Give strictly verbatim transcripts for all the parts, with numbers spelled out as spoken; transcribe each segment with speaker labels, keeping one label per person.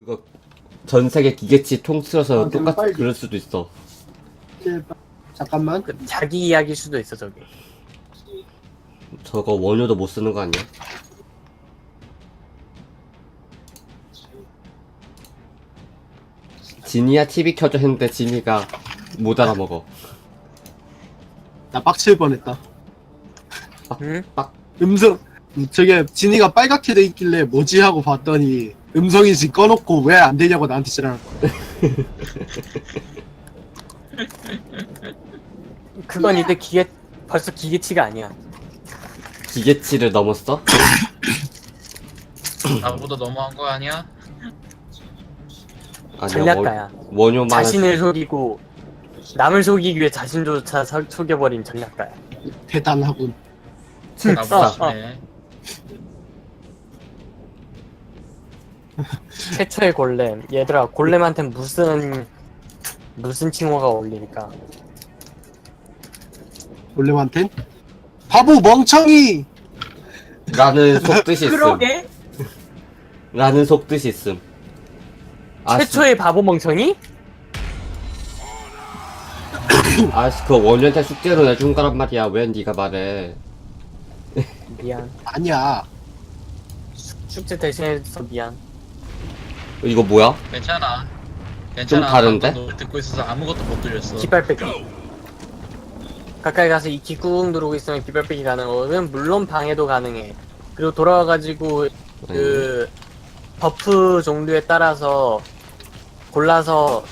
Speaker 1: 그거 전 세계 기계치 통틀어서
Speaker 2: 아,
Speaker 1: 똑같이
Speaker 2: 빨리.
Speaker 1: 그럴 수도 있어.
Speaker 2: 제발. 잠깐만.
Speaker 3: 그 자기 이야기일 수도 있어 저게.
Speaker 1: 저거 원효도 못 쓰는 거 아니야? 지니야 티비 켜줘 했는데 지니가 못 알아먹어.
Speaker 2: 나 빡칠 뻔했다.
Speaker 3: 응?
Speaker 2: 음성. 음, 저게 진이가 빨갛게 돼 있길래 뭐지 하고 봤더니 음성인식 꺼놓고 왜 안 되냐고 나한테 지랄.
Speaker 3: 그건 이제 기계 벌써 기계치가 아니야.
Speaker 1: 기계치를 넘었어?
Speaker 4: 나보다 너무한 거 아니야?
Speaker 1: 아니야,
Speaker 3: 전략가야.
Speaker 1: 원, 원효만
Speaker 3: 자신을 속이고 남을 속이기 위해 자신조차 서- 속여버린 전략가야.
Speaker 2: 대단하군.
Speaker 4: 나보다
Speaker 3: 어, 어.
Speaker 4: 네.
Speaker 3: 최초의 골렘. 얘들아 골렘한테 무슨 무슨 칭호가 어울리니까.
Speaker 2: 원래한텐 바보 멍청이.
Speaker 1: 라는 속뜻이 있음.
Speaker 3: 그러게?
Speaker 1: 라는 속뜻이 있음. 아,
Speaker 3: 최초의 바보 멍청이?
Speaker 1: 아, 그 원효한테 숙제로 내준 거란 말이야. 왜 네가 말해?
Speaker 3: 미안.
Speaker 2: 아니야.
Speaker 3: 숙제 대신해서 미안.
Speaker 1: 이거 뭐야?
Speaker 4: 괜찮아. 괜찮아.
Speaker 1: 다른데?
Speaker 4: 방금 노래 듣고 있어서 아무것도 못 들렸어.
Speaker 3: 깃발 빼기. 가까이 가서 이 키 꾹 누르고 있으면 깃발 빼기 가능하거든. 물론 방해도 가능해. 그리고 돌아와가지고 그 버프 종류에 따라서 골라서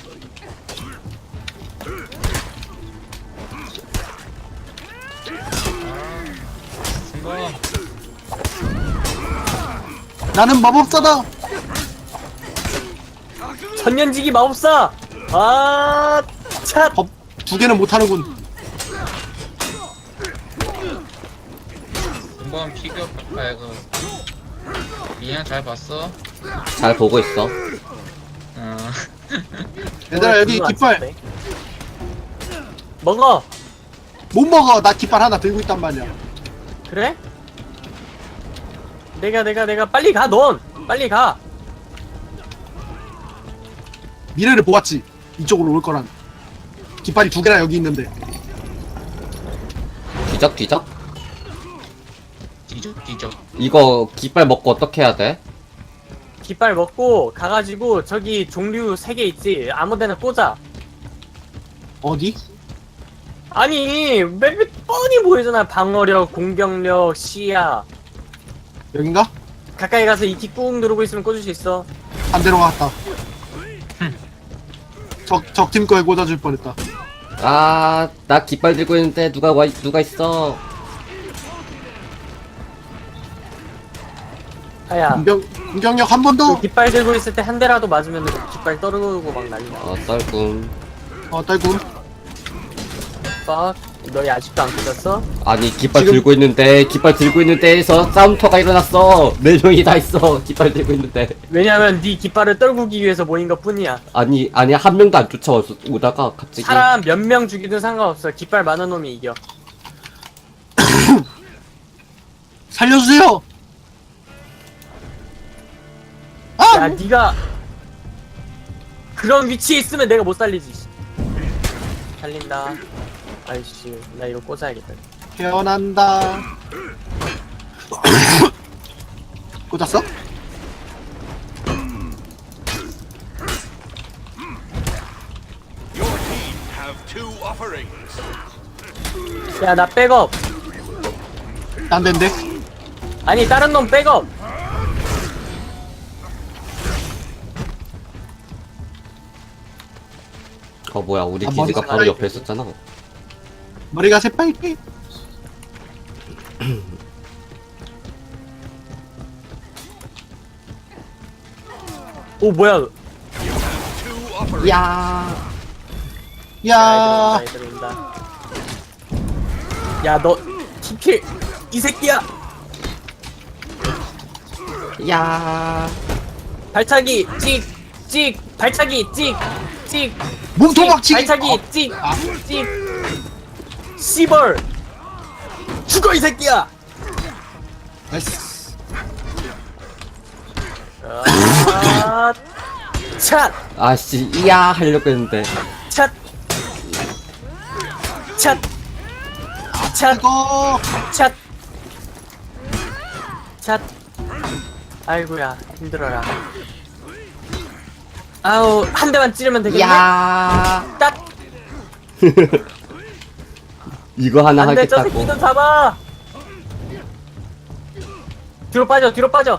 Speaker 4: 성공.
Speaker 2: 나는 마법사다.
Speaker 3: 천년지기 마법사. 아, 차.
Speaker 2: 법 두 개는 못하는군.
Speaker 4: 성공 피규어 아이고. 미안 잘 봤어.
Speaker 1: 잘 보고 있어.
Speaker 4: 어.
Speaker 2: 얘들아 여기
Speaker 3: 그거 안
Speaker 2: 깃발
Speaker 3: 썼네. 먹어.
Speaker 2: 못 먹어. 나 깃발 하나 들고 있단 말이야.
Speaker 3: 그래? 내가 내가 내가 빨리 가 넌. 빨리 가.
Speaker 2: 미래를 보았지. 이쪽으로 올 거란. 깃발이 두 개나 여기 있는데.
Speaker 1: 뒤적 뒤적?
Speaker 4: 뒤적 뒤적.
Speaker 1: 이거 깃발 먹고 어떻게 해야 돼?
Speaker 3: 깃발 먹고 가가지고 저기 종류 세 개 있지. 아무데나 꽂아.
Speaker 2: 어디?
Speaker 3: 아니 맵이 뻔히 보이잖아. 방어력, 공격력, 시야.
Speaker 2: 여긴가?
Speaker 3: 가까이 가서 이 키 꾹 누르고 있으면 꽂을 수 있어.
Speaker 2: 반대로 갔다. 적 적팀 거에 꽂아줄 뻔했다.
Speaker 1: 아, 나 깃발 들고 있는데 누가 와, 누가 있어?
Speaker 3: 아야.
Speaker 2: 공격 공격력 한 번 더.
Speaker 3: 그 깃발 들고 있을 때 한 대라도 맞으면 깃발 떨어지고 막 난리나.
Speaker 1: 어, 떨군.
Speaker 2: 어 딸군.
Speaker 3: 빡. 너희 아직도 안 꽂았어?
Speaker 1: 아니, 깃발
Speaker 2: 지금-
Speaker 1: 들고 있는데, 깃발 들고 있는데에서 싸움터가 일어났어. 네 명이 다 있어. 깃발 들고 있는데.
Speaker 3: 왜냐면 네 깃발을 떨구기 위해서 모인 것 뿐이야.
Speaker 1: 아니, 아니, 한 명도 안 쫓아오다가 갑자기.
Speaker 3: 사람 몇 명 죽이든 상관없어. 깃발 많은 놈이 이겨.
Speaker 2: 살려주세요. 아!
Speaker 3: 야, 네가 그런 위치에 있으면 내가 못 살리지. 살린다. 아이씨, 나 이거 꽂아야겠다.
Speaker 2: 태어난다. 꽂았어?
Speaker 5: Your team have two offerings.
Speaker 3: 야, 나 백업.
Speaker 2: 안 된대.
Speaker 3: 아니, 다른 놈 백업.
Speaker 1: 어, 뭐야, 우리
Speaker 2: 아,
Speaker 1: 기지가
Speaker 2: 머리가
Speaker 1: 바로 옆에 있었잖아.
Speaker 2: 머리가 새빨개.
Speaker 3: 오, 뭐야?
Speaker 5: Two offerings.
Speaker 1: 야,
Speaker 2: 야,
Speaker 3: 애들 온다, 애들 온다. 야, 너 티킬 이 새끼야.
Speaker 1: 야.
Speaker 3: 발차기 찍, 찍, 발차기 찍, 찍.
Speaker 2: 몸통 박치기.
Speaker 3: 발차기
Speaker 2: 어,
Speaker 3: 찍,
Speaker 2: 아.
Speaker 3: 찍. 씨벌. 죽어 이 새끼야.
Speaker 2: 나이스.
Speaker 3: 아, 찻!
Speaker 1: 아씨 이야 하려고 했는데
Speaker 3: 찻! 찻! 찻!
Speaker 2: 이거
Speaker 3: 찻! 찻! 아이고야 힘들어라. 아우 한 대만 찌르면 되겠네.
Speaker 1: 이야
Speaker 3: 딱!
Speaker 1: 이거 하나
Speaker 3: 안돼 저
Speaker 1: 하겠다고
Speaker 3: 새끼도 잡아. 뒤로 빠져 뒤로 빠져.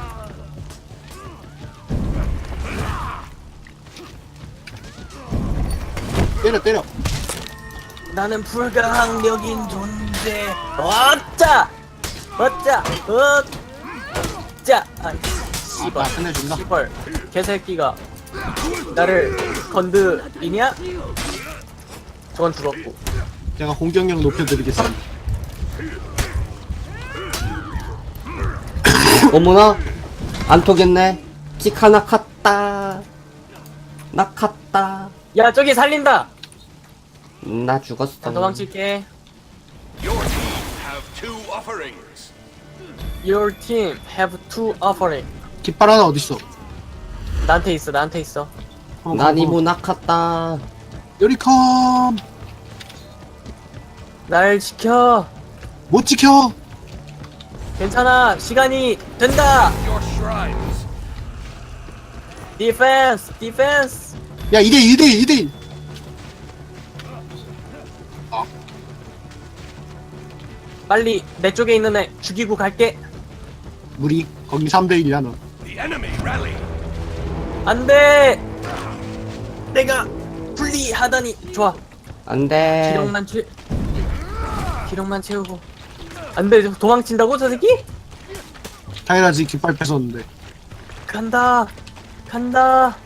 Speaker 2: 때려 때려.
Speaker 3: 나는 불가항력인 존재. 어짜! 어짜! 어짜! 아, 씨발.
Speaker 2: 아 끝내준다.
Speaker 3: 씨발. 개새끼가 나를 건드리냐? 저건 죽었고.
Speaker 2: 제가 공격력 높여드리겠습니다.
Speaker 1: 어머나 안 토겠네 키카 나갔다 나갔다
Speaker 3: 야, 저기 살린다!
Speaker 1: 나 죽었어
Speaker 3: 나 도망칠게.
Speaker 5: Your team have two offerings.
Speaker 3: Your team have two offering.
Speaker 2: 깃발 하나 어딨어?
Speaker 3: 나한테 있어, 나한테 있어.
Speaker 1: 난 이모 낙았다
Speaker 2: 요리컴
Speaker 3: 날 지켜.
Speaker 2: 못 지켜.
Speaker 3: 괜찮아. 시간이 된다.
Speaker 5: Your shrines.
Speaker 3: 디펜스, 디펜스.
Speaker 2: 야 이 대 일 이 대 일 이 대 일.
Speaker 3: 빨리 내 쪽에 있는 애 죽이고 갈게.
Speaker 2: 우리 거기 삼 대 일이야 너.
Speaker 5: The enemy rally.
Speaker 3: 안 돼. 내가 불리하다니. 좋아.
Speaker 1: 안돼
Speaker 3: 기력만 채 기력만 채우고. 안 돼. 도망친다고 저 새끼?
Speaker 2: 당연하지 깃발 뺏었는데.
Speaker 3: 간다. 간다.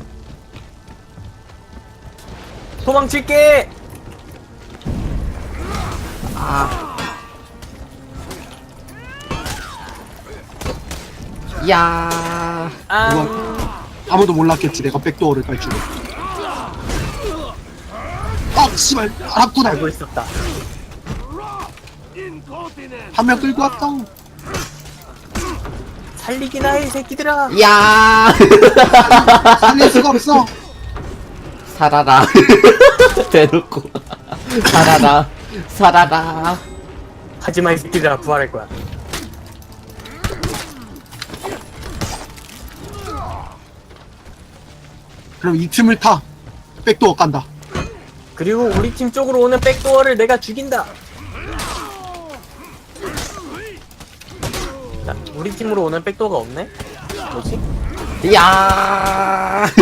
Speaker 3: 도망칠게.
Speaker 1: 야
Speaker 3: 아.
Speaker 2: 아무도 몰랐겠지 내가 백도어를 깔 줄은. 아 씨발 알았구나.
Speaker 3: 알고 있었다.
Speaker 2: 한 명 끌고 왔다.
Speaker 3: 살리기나 해, 이 새끼들아.
Speaker 1: 야
Speaker 2: 살릴 수가 없어.
Speaker 1: 살아라 대놓고 살아라 살아라
Speaker 3: 하지마, 이 새끼들아. 부활할 거야.
Speaker 2: 그럼 이 틈을 타. 백도어 깐다.
Speaker 3: 그리고 우리 팀 쪽으로 오는 백도어를 내가 죽인다. 자, 우리 팀으로 오는 백도어가 없네? 뭐지?
Speaker 1: 야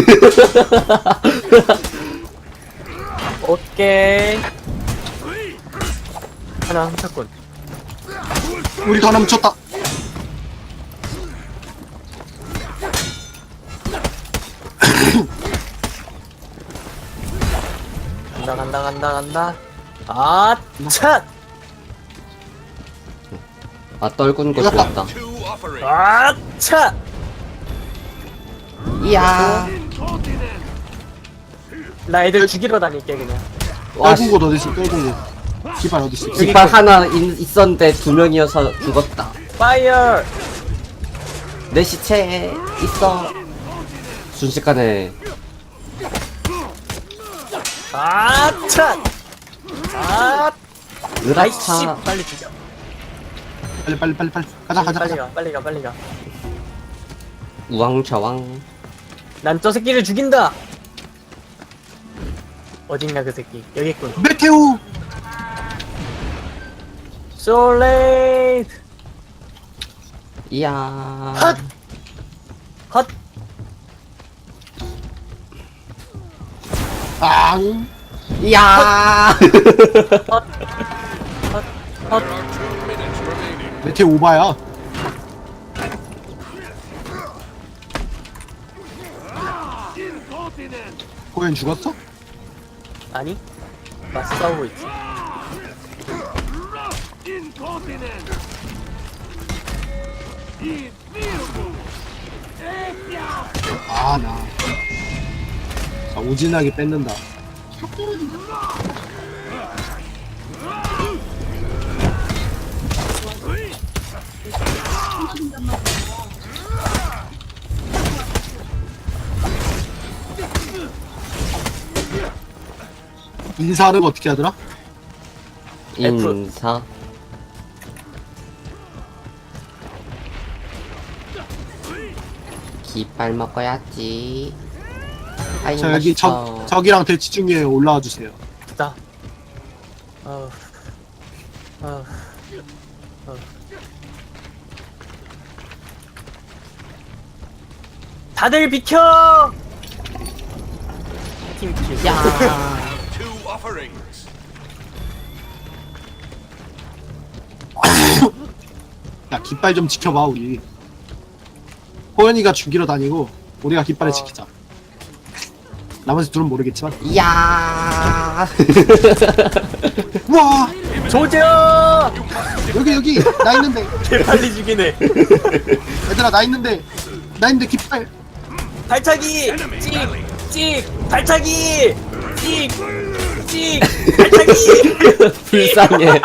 Speaker 3: 오케이. 하나 훔쳤군.
Speaker 2: 우리 더 넘쳤다.
Speaker 3: 간다 간다 간다 간다. 아, 차!
Speaker 1: 아 떨군 거 좋았다
Speaker 5: Two offerings.
Speaker 3: 아, 차!
Speaker 1: 이야
Speaker 3: 나 애들 죽이러 다닐게 그냥.
Speaker 1: 와씨
Speaker 2: 떨군 곳 어딨어 떨군 곳. 깃발 어딨어.
Speaker 1: 깃발 하나 있, 있었는데 두 명이어서 죽었다
Speaker 3: 파이어!
Speaker 1: 내 시체에 있어 순식간에
Speaker 3: 아, 차! 아, 아이씨,
Speaker 1: 으라차
Speaker 3: 빨리 죽여.
Speaker 2: 빨리 빨리 빨리 빨리 가자 가자
Speaker 3: 빨리
Speaker 2: 가자.
Speaker 3: 가, 빨리 가, 빨리 가.
Speaker 1: 우왕좌왕
Speaker 3: 난 저 새끼를 죽인다. 어딨냐 그 새끼. 여기 있군.
Speaker 2: 메테오.
Speaker 3: So late.
Speaker 1: 이야
Speaker 3: 헛! 헛!
Speaker 2: 앙.
Speaker 1: 이야
Speaker 3: 헛! 헛! 헛!
Speaker 5: There are two minutes remaining.
Speaker 2: 메테오 오바야. 호연 죽었어?
Speaker 3: 아니? 맞서 싸우고 있지.
Speaker 2: 아 나. 자 오진하게 뺏는다. 인사하는 거 어떻게 하더라?
Speaker 3: F.
Speaker 1: 인사. 깃발 먹어야지. 아이
Speaker 2: 자 여기 적
Speaker 1: 맛있어.
Speaker 2: 적이랑 대치 중에 올라와 주세요.
Speaker 3: 됐다. 어. 어. 어. 다들 비켜! 팀킬.
Speaker 1: 야.
Speaker 5: Two offerings.
Speaker 2: 야 깃발 좀 지켜봐 우리. 호연이가 죽이러 다니고 우리가 깃발을
Speaker 3: 어.
Speaker 2: 지키자. 나머지 둘은 모르겠지만.
Speaker 1: 야.
Speaker 2: 우와
Speaker 3: 조져!
Speaker 2: 여기 여기 나 있는데
Speaker 3: 개빨리 죽이네.
Speaker 2: 얘들아 나 있는데 나 있는데 깃발.
Speaker 3: 발차기! 찍! 찍! 발차기! 찍! 찍! 발차기!
Speaker 1: 불쌍해.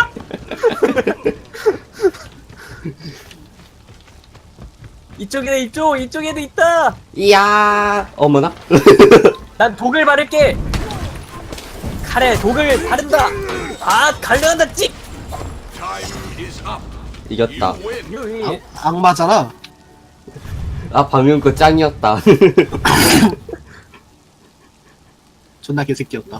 Speaker 3: 이쪽에 이쪽! 이쪽에도 있다!
Speaker 1: 이야. 어머나.
Speaker 3: 난 독을 바를게! 칼에 독을 바른다! 아! 갈려간다! 찍!
Speaker 5: Time is up.
Speaker 1: 이겼다.
Speaker 5: You win.
Speaker 3: 유이.
Speaker 2: 악마잖아.
Speaker 1: 아 방금 거 짱이었다.
Speaker 2: 존나 개새끼였다.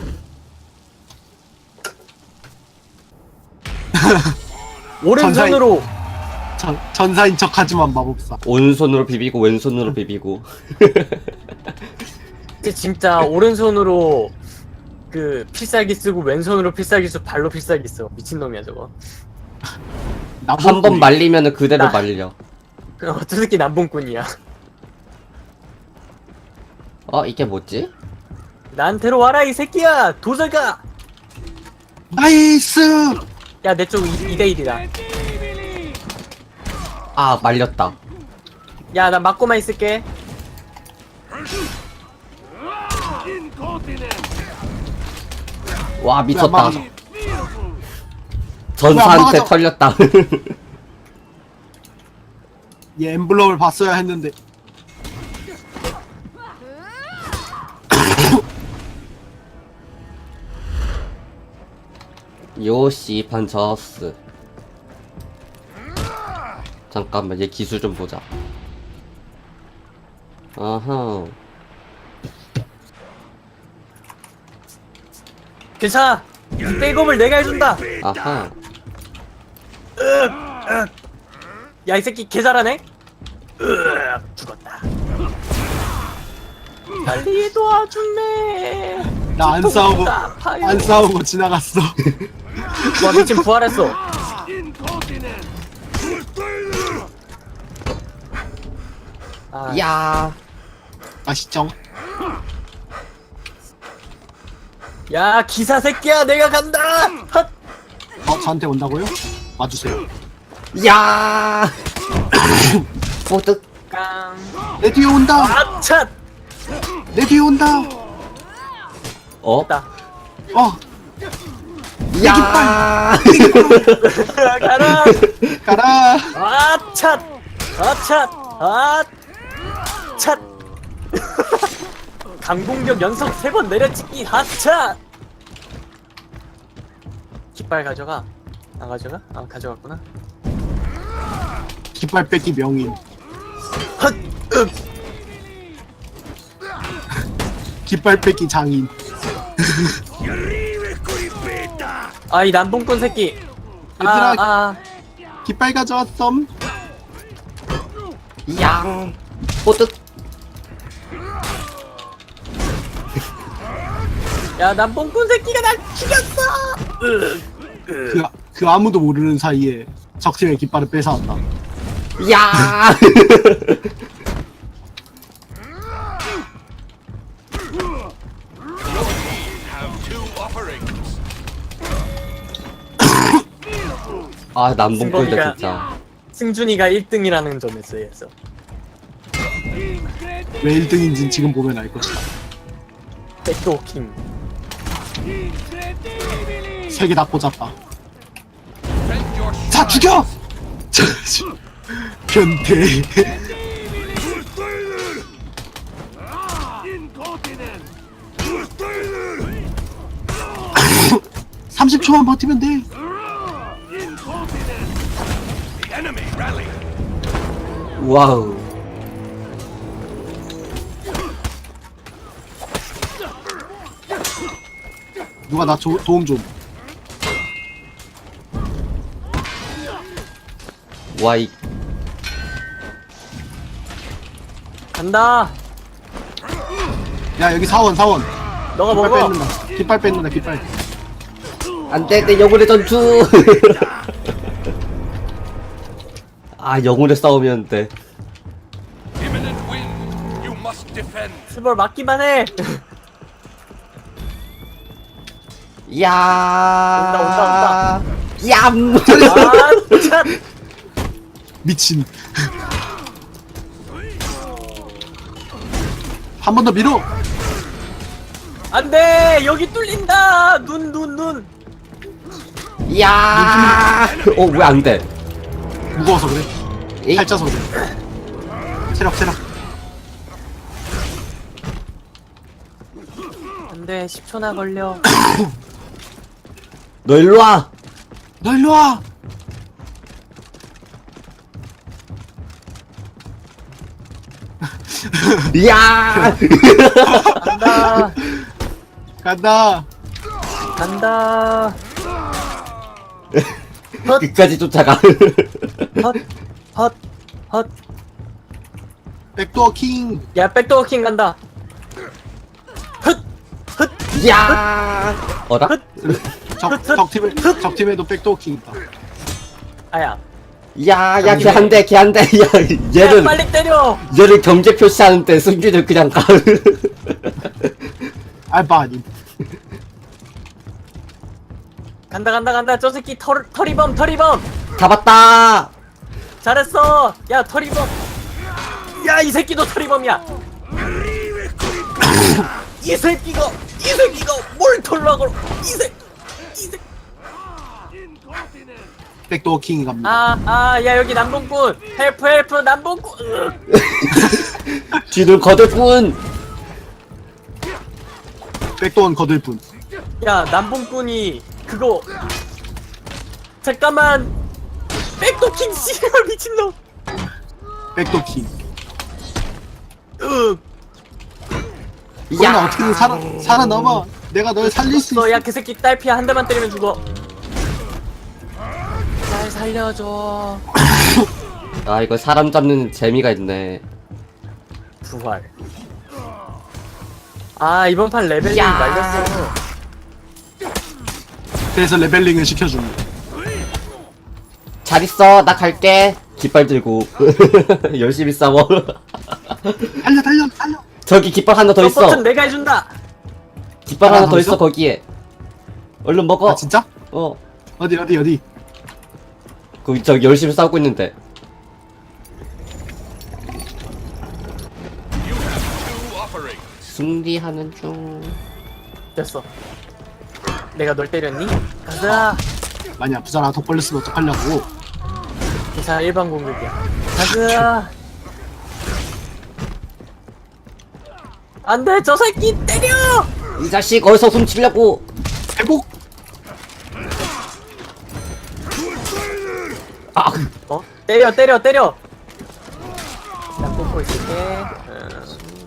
Speaker 3: 오른손으로!
Speaker 2: 전, 전사인 척하지만 마법사.
Speaker 1: 오른손으로 비비고 왼손으로 비비고.
Speaker 3: 이제 진짜 오른손으로 그 필살기 쓰고 왼손으로 필살기 쓰고 발로 필살기 써. 미친놈이야 저거.
Speaker 1: 한 번 말리면은 그대로
Speaker 3: 나-
Speaker 1: 말려.
Speaker 3: 어, 저 새끼 남봉꾼이야.
Speaker 1: 어 이게 뭐지?
Speaker 3: 나한테로 와라 이 새끼야! 도저가!
Speaker 2: 나이스.
Speaker 3: 야 내 쪽 이 대 일이다.
Speaker 1: 아 말렸다.
Speaker 3: 야 나 맞고만 있을게.
Speaker 1: 와 미쳤다.
Speaker 2: 왜안 막아줘?
Speaker 1: 전사한테
Speaker 2: 막아줘?
Speaker 1: 털렸다.
Speaker 2: 얘 엠블럼을 봤어야 했는데.
Speaker 1: 요시 판저스. 잠깐만 얘 기술 좀 보자. 아하.
Speaker 3: 괜찮아. 이 백업을 내가 해준다.
Speaker 1: 아하.
Speaker 3: 야 이 새끼 개 잘하네. 으악, 죽었다. 빨리 도와줄래.
Speaker 2: 나 안 싸우고
Speaker 3: 아파요.
Speaker 2: 안 싸우고 지나갔어.
Speaker 3: 와 미친 부활했어. 아,
Speaker 1: 야.
Speaker 2: 아시죠?
Speaker 3: 야 기사 새끼야 내가 간다. 헛.
Speaker 2: 어 저한테 온다고요? 와주세요.
Speaker 1: 야. 포드.
Speaker 3: 깡.
Speaker 2: 내 뒤에 온다.
Speaker 3: 아차.
Speaker 2: 내 뒤에 온다.
Speaker 1: 어?
Speaker 3: 됐다.
Speaker 2: 어
Speaker 1: 야.
Speaker 3: 가라.
Speaker 2: 가라.
Speaker 3: 아차. 아차. 아차. 강공격 연속 세 번 내려찍기 하차. 깃발 가져가. 안 가져가? 아 가져갔구나.
Speaker 2: 깃발 뺏기 명인.
Speaker 3: 헛. 윽.
Speaker 2: 깃발 뺏기 장인.
Speaker 3: 아이 남봉꾼 새끼. 아,
Speaker 2: 얘들아
Speaker 3: 아.
Speaker 2: 깃발 가져왔음.
Speaker 1: 양. 포드.
Speaker 3: 야 남봉꾼 새끼가 날 죽였어. 으.
Speaker 2: 그, 그 아무도 모르는 사이에 적팀의 깃발을 뺏어왔다.
Speaker 1: 야.
Speaker 5: Have two offerings.
Speaker 1: 아 남봉꾼들
Speaker 3: 승범이가-
Speaker 1: 진짜.
Speaker 3: 승준이가 일 등이라는 점에서 해서
Speaker 2: 왜 일 등인진 지금 보면 알 것이다.
Speaker 3: 백도킹.
Speaker 2: 세 개 다 꽂았다.
Speaker 5: Defend your
Speaker 2: 자 죽여! 변태. 삼십 초만 버티면 돼.
Speaker 5: The enemy rally.
Speaker 1: 와우.
Speaker 2: 누가 나 조, 도움 좀.
Speaker 1: 와이.
Speaker 3: 간다.
Speaker 2: 야 여기 사원 사원.
Speaker 3: 너가
Speaker 2: 깃발
Speaker 3: 먹어.
Speaker 2: 뺏는다. 깃발 뺏는다 깃발.
Speaker 1: 안돼, 내 영혼의 전투. 아, 영혼의 싸움이었는데.
Speaker 5: Imminent win. You must defend.
Speaker 3: 스벌 맞기만 해.
Speaker 1: 야.
Speaker 3: 온다, 온다,
Speaker 1: 얌.
Speaker 3: 아, 참.
Speaker 2: 미친. 한 번 더 밀어.
Speaker 3: 안돼. 여기 뚫린다. 눈, 눈, 눈.
Speaker 1: 야. 어, 왜 안 돼?
Speaker 2: 무거워서 그래.
Speaker 1: 에이.
Speaker 2: 살쪄서 그래. 체력 체력.
Speaker 3: 안돼. 십 초나 걸려.
Speaker 1: 너 일로 와.
Speaker 2: 너 일로 와.
Speaker 1: 야.
Speaker 3: 간다.
Speaker 2: 간다.
Speaker 3: 간다.
Speaker 1: 끝까지 쫓아가.
Speaker 3: 헛, 헛, 헛.
Speaker 2: 백도어 킹.
Speaker 3: 야, 백도어킹 간다. 헛, 헛.
Speaker 1: 야. 어라?
Speaker 2: 적, 적 팀에 적 팀에도 백도어 킹 있다.
Speaker 3: 아야.
Speaker 1: 야, 야, 걔 한 대, 걔 한 대. 야,
Speaker 3: 야,
Speaker 1: 얘는
Speaker 3: 빨리 때려.
Speaker 1: 얘를 경제 표시하는데 승기를 그냥 가.
Speaker 2: 알바 아님.
Speaker 3: 간다, 간다, 간다. 저 새끼 털, 털이범, 털이범.
Speaker 1: 잡았다.
Speaker 3: 잘했어. 야, 털이범. 야, 이 새끼도 털이범이야. 이 새끼가, 이 새끼가 뭘 털라고. 이 새끼, 이 새끼.
Speaker 2: 백도어 킹이 갑니다.
Speaker 3: 아, 아, 야, 여기 남봉꾼. 헬프, 헬프, 남봉꾼. 으.
Speaker 1: 뒤를 거들 뿐.
Speaker 2: 백도어는 거들 뿐.
Speaker 3: 야, 남봉꾼이 그거. 잠깐만. 백도킹 씨발 미친놈.
Speaker 2: 백도어 킹.
Speaker 3: 으.
Speaker 2: 야 어떻게든 살아 살아남아. 내가 널 살릴 수
Speaker 3: 너,
Speaker 2: 있어.
Speaker 3: 야, 그 새끼 딸피야. 한 대만 때리면 죽어. 날 살려줘.
Speaker 1: 아, 이거 사람 잡는 재미가 있네.
Speaker 3: 부활. 아, 이번 판 레벨이
Speaker 1: 야.
Speaker 3: 말렸어.
Speaker 2: 그래서 레벨링을 시켜줍니다.
Speaker 1: 잘 있어, 나 갈게. 깃발 들고 열심히 싸워.
Speaker 2: 달려 달려 달려.
Speaker 1: 저기 깃발 하나 더
Speaker 3: 저
Speaker 1: 있어.
Speaker 3: 버튼 내가 해준다.
Speaker 1: 깃발
Speaker 2: 하나
Speaker 1: 하나
Speaker 2: 더
Speaker 1: 더 있어
Speaker 2: 있어?
Speaker 1: 거기에. 얼른 먹어.
Speaker 2: 아 진짜?
Speaker 1: 어.
Speaker 2: 어디 어디 어디.
Speaker 1: 그 저기 열심히 싸우고 있는데.
Speaker 5: You have two offerings.
Speaker 1: 승리하는 중.
Speaker 3: 됐어. 내가 널 때렸니? 가자.
Speaker 2: 많이 아프잖아. 독 걸렸으면 어떡하려고.
Speaker 3: 기사 일반 공격이야. 가자. 안돼, 저 새끼 때려.
Speaker 1: 이 자식 어디서 훔치려고.
Speaker 2: 회복.
Speaker 1: 아,
Speaker 3: 어? 때려, 때려, 때려. 나 뽑고 있을게. 음.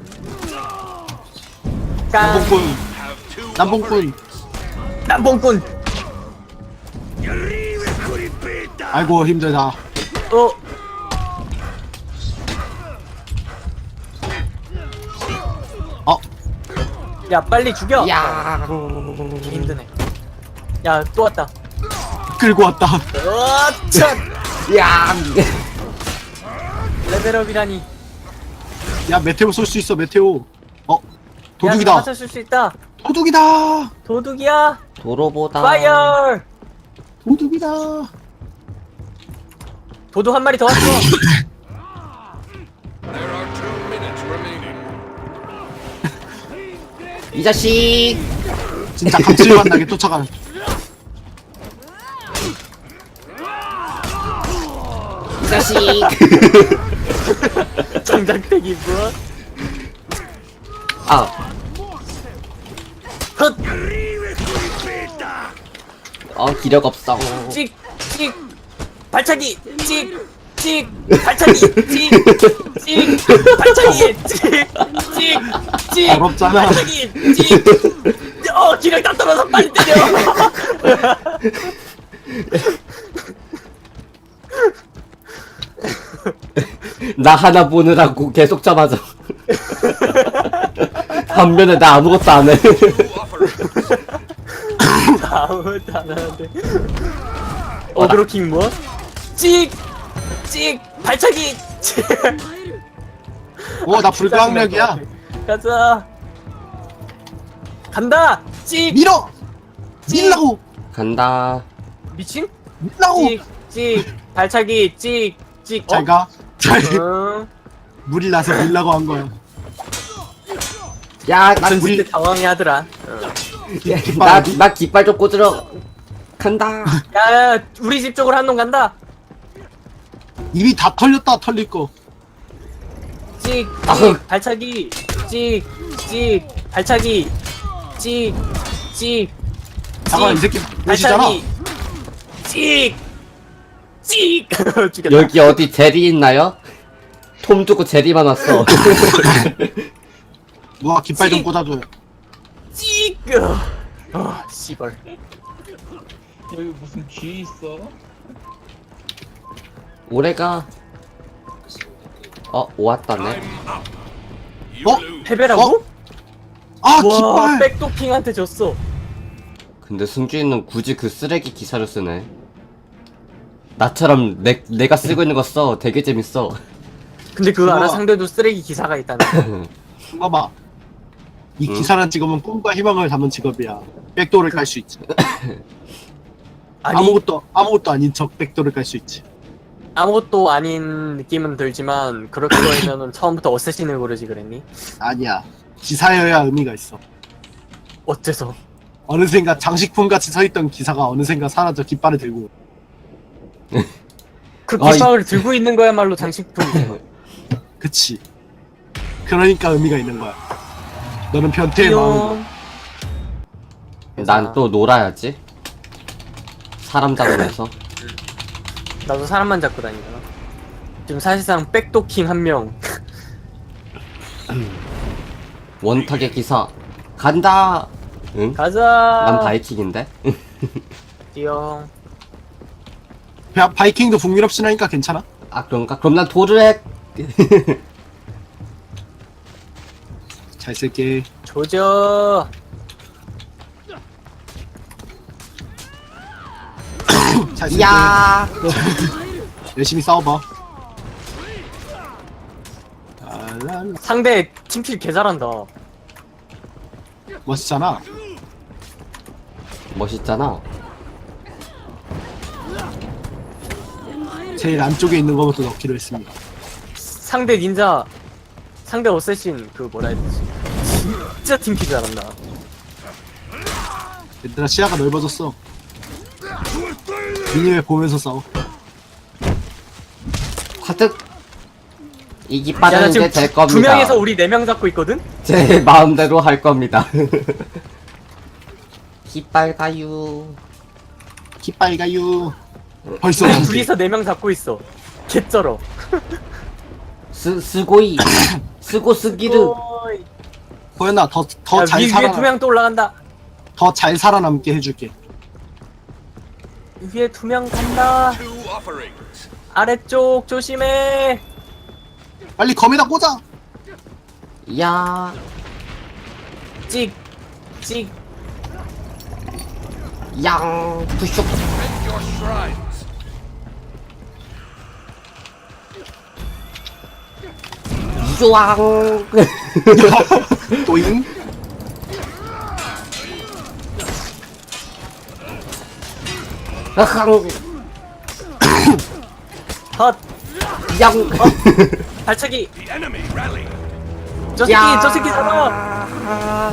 Speaker 3: 깡.
Speaker 2: 남봉꾼.
Speaker 5: Have two
Speaker 2: 남봉꾼.
Speaker 3: 남봉꾼.
Speaker 2: 아이고 힘들다.
Speaker 3: 어.
Speaker 2: 어
Speaker 3: 야, 빨리 죽여.
Speaker 1: 야.
Speaker 3: 힘드네. 야, 또 왔다.
Speaker 2: 끌고 왔다.
Speaker 3: 어, 참.
Speaker 1: 야.
Speaker 3: 레벨업이라니.
Speaker 2: 야 메테오 쏠 수 있어 메테오. 어 도둑이다.
Speaker 3: 야, 맞춰줄 수 있다.
Speaker 2: 도둑이다.
Speaker 3: 도둑이야.
Speaker 1: 도로보다.
Speaker 3: 파이어.
Speaker 2: 도둑이다.
Speaker 3: 도둑 한 마리 더 왔어.
Speaker 5: There are two minutes remaining.
Speaker 1: 이 자식.
Speaker 2: 진짜 감칠맛나게 쫓아가는.
Speaker 1: 이 자식.
Speaker 3: 장작대기 뭐?
Speaker 1: 아.
Speaker 3: 헛.
Speaker 1: 어 기력 없어.
Speaker 3: 찍, 찍, 발차기, 찍, 찍, 발차기, 찍, 찍, 발차기, 찍, 찍, 찍,
Speaker 2: 어렵잖아.
Speaker 3: 발차기, 찍. 어, 기력 다 떨어져 빨리 때려.
Speaker 1: 나 하나 보느라고 계속 잡아줘. 반면에 나 아무것도 안 해.
Speaker 5: Two offerings.
Speaker 3: 아무것도 안 하는데. 어그로킹 뭐? 찍, 찍, 발차기, 찍.
Speaker 2: 오, 나 불가항력이야.
Speaker 3: 가자. 간다. 찍.
Speaker 2: 밀어! 밀라고!
Speaker 1: 간다.
Speaker 3: 미친?
Speaker 2: 밀라고!
Speaker 3: 찍, 찍, 발차기, 찍, 찍. 어?
Speaker 2: 잘 가. 잘.
Speaker 3: 응.
Speaker 2: 물이 나서 밀라고 한 거야.
Speaker 1: 야, 나
Speaker 3: 전
Speaker 1: 물,
Speaker 3: 때 당황해하더라.
Speaker 1: 나, 나 깃발 좀 꽂으러 간다.
Speaker 3: 야, 야, 우리 집 쪽으로 한 놈 간다.
Speaker 2: 입이 다 털렸다, 털릴 거.
Speaker 3: 찍,
Speaker 1: 아흥.
Speaker 3: 찍, 발차기, 찍, 찍, 발차기, 찍, 찍,
Speaker 2: 잠깐, 이
Speaker 3: 찍,
Speaker 2: 새끼 몇이잖아.
Speaker 3: 발차기, 찍, 찍. 죽였다.
Speaker 1: 여기 어디 제리 있나요? 톰 두고 제리만 왔어.
Speaker 2: 누가 깃발 좀
Speaker 3: 찍.
Speaker 2: 꽂아줘요.
Speaker 3: 찍. 어, 씨발.
Speaker 6: 여기 무슨 쥐 있어?
Speaker 1: 올해가 어 왔다네.
Speaker 5: I'm up. You
Speaker 2: 어?
Speaker 5: lose.
Speaker 3: 패배라고?
Speaker 2: 어? 아,
Speaker 3: 와,
Speaker 2: 깃발!
Speaker 3: 백도킹한테 졌어.
Speaker 1: 근데 승주이는 굳이 그 쓰레기 기사를 쓰네. 나처럼 내, 내가 쓰고 있는 거 써. 되게 재밌어.
Speaker 3: 근데 그거 알아?
Speaker 2: 우와.
Speaker 3: 상대도 쓰레기 기사가 있다는 거.
Speaker 2: 봐봐. 이
Speaker 1: 응?
Speaker 2: 기사란 직업은 꿈과 희망을 담은 직업이야. 백도를 깔 수 있지.
Speaker 3: 아니,
Speaker 2: 아무것도 아무것도 아닌 적 백도를 깔 수 있지.
Speaker 3: 아무것도 아닌 느낌은 들지만 그럴 거면은 처음부터 어쌔신을 고르지 그랬니?
Speaker 2: 아니야. 기사여야 의미가 있어.
Speaker 3: 어째서?
Speaker 2: 어느샌가 장식품 같이 서있던 기사가 어느샌가 사라져 깃발을 들고.
Speaker 3: 그
Speaker 1: 아,
Speaker 3: 깃발을 들고 있는 거야말로 장식품이잖아.
Speaker 2: 그치. 그러니까 의미가 있는 거야. 너는 변태의 마음으로.
Speaker 1: 난 또 놀아야지. 사람 잡으면서.
Speaker 3: 나도 사람만 잡고 다니잖아. 지금 사실상 백도킹 한 명.
Speaker 1: 원탁의 기사 간다. 응?
Speaker 3: 가자.
Speaker 1: 난 바이킹인데.
Speaker 3: 뛰어.
Speaker 2: 바- 바이킹도 북유럽신하니까 괜찮아?
Speaker 1: 아 그런가? 그럼 난 도르액.
Speaker 2: 잘 쓸게.
Speaker 3: 조져.
Speaker 2: 잘 쓸게.
Speaker 1: 야.
Speaker 2: 열심히 싸워봐. 랄랄라.
Speaker 3: 상대 팀킬 개 잘한다.
Speaker 2: 멋있잖아.
Speaker 1: 멋있잖아.
Speaker 2: 제일 안쪽에 있는 거부터 넣기로 했습니다.
Speaker 3: 상대 닌자, 상대 어쌔신 그 뭐라 해야 되지? 진짜 팀킬 잘한다.
Speaker 2: 얘들아 시야가 넓어졌어. 미니맵 보면서 싸워.
Speaker 1: 화득. 이
Speaker 3: 야, 나
Speaker 1: 깃발은
Speaker 3: 지금
Speaker 1: 이제 될
Speaker 3: 두
Speaker 1: 겁니다.
Speaker 3: 명에서 우리 네 명 잡고 있거든?
Speaker 1: 제 마음대로 할 겁니다. 깃발 가유.
Speaker 2: 깃발 가유. 벌써
Speaker 3: 우리 둘이서 네 명 잡고 있어. 개쩔어.
Speaker 1: 스 스고이. 스고 스기르.
Speaker 3: 어이.
Speaker 2: 호연아 더 더
Speaker 3: 야,
Speaker 2: 잘
Speaker 3: 위, 위에 두
Speaker 2: 살아
Speaker 3: 명 또 올라간다.
Speaker 2: 더 잘 살아남게 해줄게.
Speaker 3: 위에 두 명 간다.
Speaker 5: Two offerings.
Speaker 3: 아래쪽 조심해.
Speaker 2: 빨리 검에다 꽂아.
Speaker 1: 야.
Speaker 3: 찍, 찍.
Speaker 1: 양. 푸슉.
Speaker 5: Defend your shrines.
Speaker 1: 유왕.
Speaker 2: 또잉.
Speaker 1: 아항.
Speaker 3: 헛.
Speaker 1: 양.
Speaker 3: 발차기.
Speaker 5: The enemy rally.
Speaker 3: 저 새끼, 저 새끼 잡아.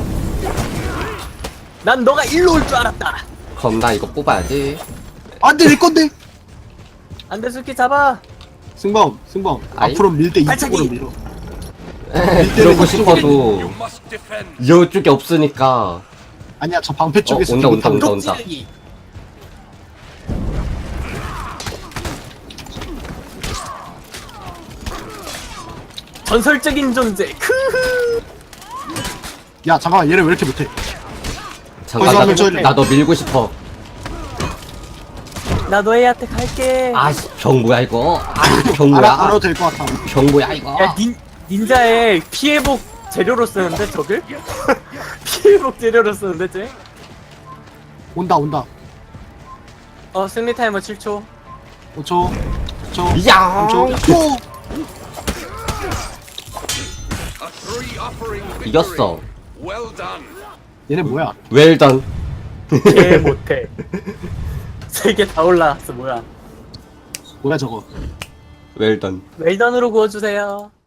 Speaker 3: 난 너가 일로 올 줄 알았다.
Speaker 1: 그럼 나 이거 뽑아야지.
Speaker 2: 안돼 내 건데.
Speaker 3: 안돼 새끼 잡아.
Speaker 2: 승범 승범
Speaker 1: 아이.
Speaker 2: 앞으로 밀 때
Speaker 3: 발차기.
Speaker 2: 이쪽으로 밀어.
Speaker 1: 그러고 싶어도
Speaker 5: You must defend.
Speaker 1: 이쪽에 없으니까.
Speaker 2: 아니야 저 방패 쪽에서
Speaker 1: 어, 온다,
Speaker 2: 기분
Speaker 1: 온다,
Speaker 2: 탐-
Speaker 1: 온다.
Speaker 3: 찌르기. 전설적인 존재. 크흐.
Speaker 2: 야 잠깐만 얘네 왜 이렇게 못해?
Speaker 1: 잠깐
Speaker 2: 한번 쳐야 돼.
Speaker 1: 나 너 밀고 싶어.
Speaker 3: 나 너희한테 갈게.
Speaker 1: 아씨 병 뭐야 이거? 아병
Speaker 2: 알아,
Speaker 1: 뭐야?
Speaker 2: 알아도 될 것 같아.
Speaker 1: 병 뭐야 이거?
Speaker 3: 야 닌, 닌자의 피해복 재료로 쓰는데 저길? 피해복 재료로 쓰는데 쟤?
Speaker 2: 온다 온다.
Speaker 3: 어 승리 타이머 칠 초.
Speaker 2: 오 초. 오 초.
Speaker 1: 야!
Speaker 2: 삼 초. 오!
Speaker 5: A three offering victory.
Speaker 1: 이겼어.
Speaker 5: Well done.
Speaker 2: 얘네 뭐야?
Speaker 1: 웰던.
Speaker 3: 개 못해. 세 개 다 올라갔어 뭐야.
Speaker 2: 뭐야 저거?
Speaker 1: 웰던.
Speaker 3: 웰던으로 구워주세요.